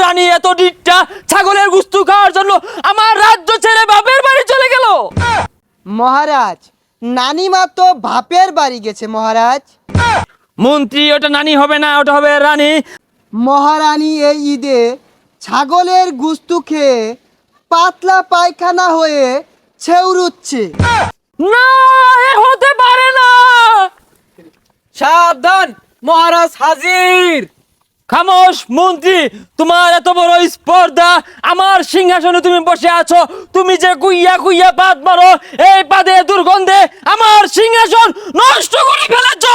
রানী এত ডিটটা ছাগলের গুস্তু খাওয়ার জন্য আমার রাজ্য ছেড়ে বাপের বাড়ি চলে গেল। মহারাজ, নানিমা তো বাপের বাড়ি গেছে মহারাজ। মন্ত্রী, ওটা নানি হবে না, ওটা হবে রানী। মহারানী এই ঈদে ছাগলের গুস্তু খেয়ে পাতলা পায়খানা হয়ে ছেউরুচ্ছে। না, এ হতে পারে না। সাবধান, মহারাজ হাজির। খামোশ মন্ত্রী, তোমার এত বড় স্পর্ধা, আমার সিংহাসনে তুমি বসে আছো, তুমি যে কুইয়া কুইয়া পাত মারো, এই পাদে দুর্গন্ধে আমার সিংহাসন নষ্ট করে ফেলেছো।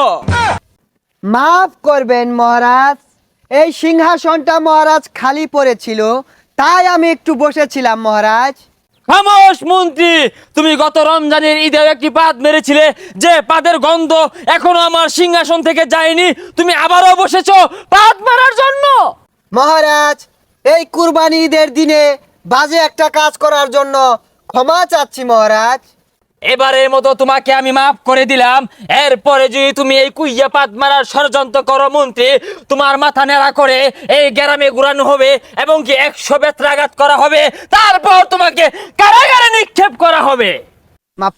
মাফ করবেন মহারাজ, এই সিংহাসনটা মহারাজ খালি পড়েছিল, তাই আমি একটু বসেছিলাম মহারাজ। খামোশ মন্ত্রী, তুমি গত রমজানের ঈদেও একটি পাদ মেরেছিলে, যে পাদের গন্ধ এখনো আমার সিংহাসন থেকে যায়নি, তুমি আবারও বসেছো পাদ মারার জন্য। মহারাজ, এই কুরবানি ঈদের দিনে বাজে একটা কাজ করার জন্য ক্ষমা চাচ্ছি মহারাজ। এবারের মতো তোমাকে আমি মাফ করে দিলাম। এরপরে যদি তুমি এই কুইয়া পাত মারার ষড়যন্ত্র করো মন্ত্রী, তোমার মাথা নেড়া করে এই গ্রামে ঘুরানো হবে এবং কি 100 বেত্রাঘাত করা হবে, তারপর তোমাকে কারাগারে নিক্ষেপ করা হবে। মাফ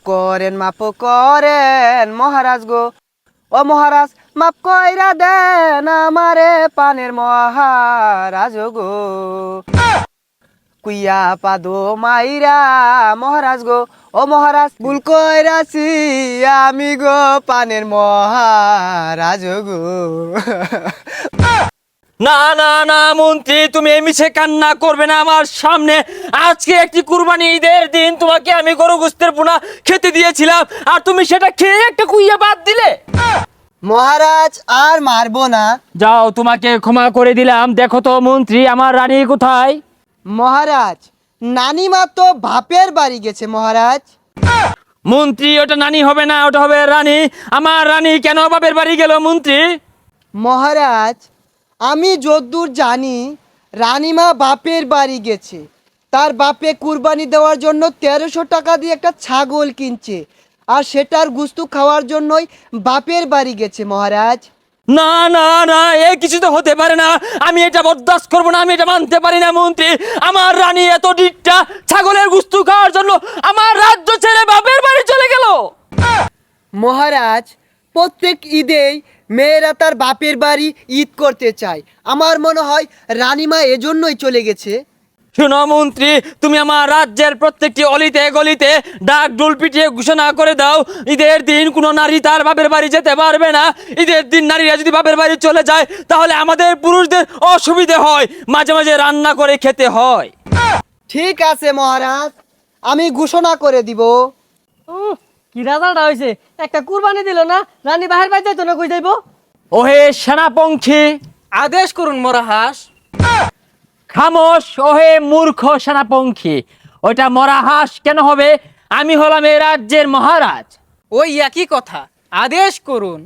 করেন মহারাজ গো, ও মহারাজ মাফ কইরা দেন আমারে পানের মহারাজ গো। কুইয়া পাদো মাইরা মহারাজ গো, ও মহারাজ ভুল কইরাছি আমি গো পানের মহারাজ গো। না না না মন্ত্রী, তুমি এই মিছে কান্না করবে না আমার সামনে। আজকে একটি কুরবানি ঈদের দিন, তোমাকে আমি গরু গোশতের পোনা খেতে দিয়েছিলাম, আর তুমি সেটা খেয়ে একটা কুইয়া বাদ দিলে। মহারাজ আর মারবো না। যাও, তোমাকে ক্ষমা করে দিলাম। দেখো তো মন্ত্রী, আমার রানী কোথায়? মহারাজ, নানিমা তো বাপের বাড়ি গেছে মহারাজ। মন্ত্রী, ওটা নানি হবে না, ওটা হবে রানী। আমার রানী কেন বাপের বাড়ি গেল মন্ত্রী? মহারাজ, আমি যদ্দূর জানি রানীমা বাপের বাড়ি গেছে, তার বাপে কুরবানি দেওয়ার জন্য 1300 টাকা দিয়ে একটা ছাগল কিনছে, আর সেটার গুস্তু খাওয়ার জন্যই বাপের বাড়ি গেছে মহারাজ। না না না, এ কিছু তো হতে পারে না। আমি এটা বরদাস্ত করবো না, আমি এটা মানতে পারি না মন্ত্রী। আমার রানী এত ডিটটা ছাগলের গুস্তু খাওয়ার জন্য আমার রাজ্য ছেড়ে বাপের বাড়ি চলে গেল। মহারাজ, প্রত্যেক ঈদেই মেয়েরা তার বাপের বাড়ি ঈদ করতে চায়, আমার মনে হয় রানীমা এজন্যই চলে গেছে। শোনো মন্ত্রী, তুমি আমার রাজ্যের প্রত্যেকটি অলিতে গলিতে ডাক ডোল পিটিয়ে ঘোষণা করে দাও, ঈদের দিন কোনো নারী তার বাপের বাড়ি যেতে পারবে না। ঈদের দিন নারীরা যদি বাপের বাড়ি চলে যায়, তাহলে আমাদের পুরুষদের অসুবিধে হয়, মাঝে মাঝে রান্না করে খেতে হয়। ঠিক আছে মহারাজ, আমি ঘোষণা করে দিব। কি রাজাটা হয়েছে, একটা কুরবানি দিল না, রানী বাহির বাইর যাইতো না, কই যাইবো? ওহে সেনাপঙ্খী, আদেশ করুন মহারাজ। খামোশ ওহে মূর্খ সেনাপঙ্খী। ওইটা মরা হাঁস কেন হবে? আমি হলাম এই রাজ্যের মহারাজ। ওই একই কথা, আদেশ করুন।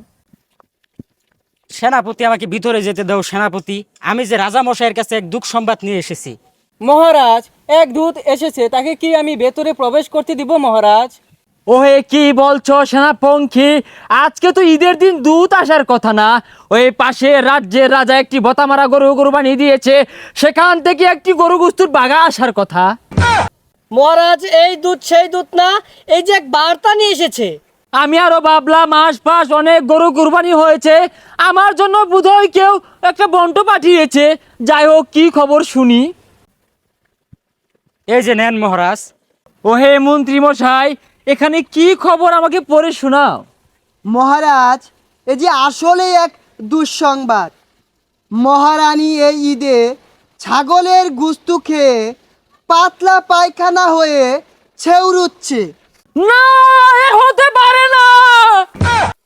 সেনাপতি, আমাকে ভিতরে যেতে দাও সেনাপতি। আমি যে রাজা মশাইয়ের কাছে এক দুঃখ সংবাদ নিয়ে এসেছি। মহারাজ, এক দূত এসেছে, তাকে কি আমি ভেতরে প্রবেশ করতে দিব মহারাজ? ওহে কি বলছো সেনাপঙ্খী? আজকে তো ঈদের দিন দূত আসার কথা না। ওই পাশে রাজ্যের রাজা একটি বতামারা গরু কুরবানি দিয়েছে, সেখান থেকে একটি গরু গুস্তুর বাগা আসার কথা। মহারাজ, এই দূত সেই দূত না, এই যে এক বার্তা নিয়ে এসেছে। আমি আরো ভাবলাম আশপাশ অনেক গরু কুরবানি হয়েছে, আমার জন্য বোধহয় কেউ একটা বন্ট পাঠিয়েছে। যাই হোক, কি খবর শুনি। এই যে নেন মহারাজ। ওহে মন্ত্রী মশাই, এখানে কি খবর আমাকে পড়ে শোনাও। মহারাজ, এই যে আসলে এক দুঃসংবাদ। মহারানী এই ঈদে ছাগলের গুস্তু খেয়ে পাতলা পায়খানা হয়ে ছেউরুচ্ছে। না, এ হতে পারে না।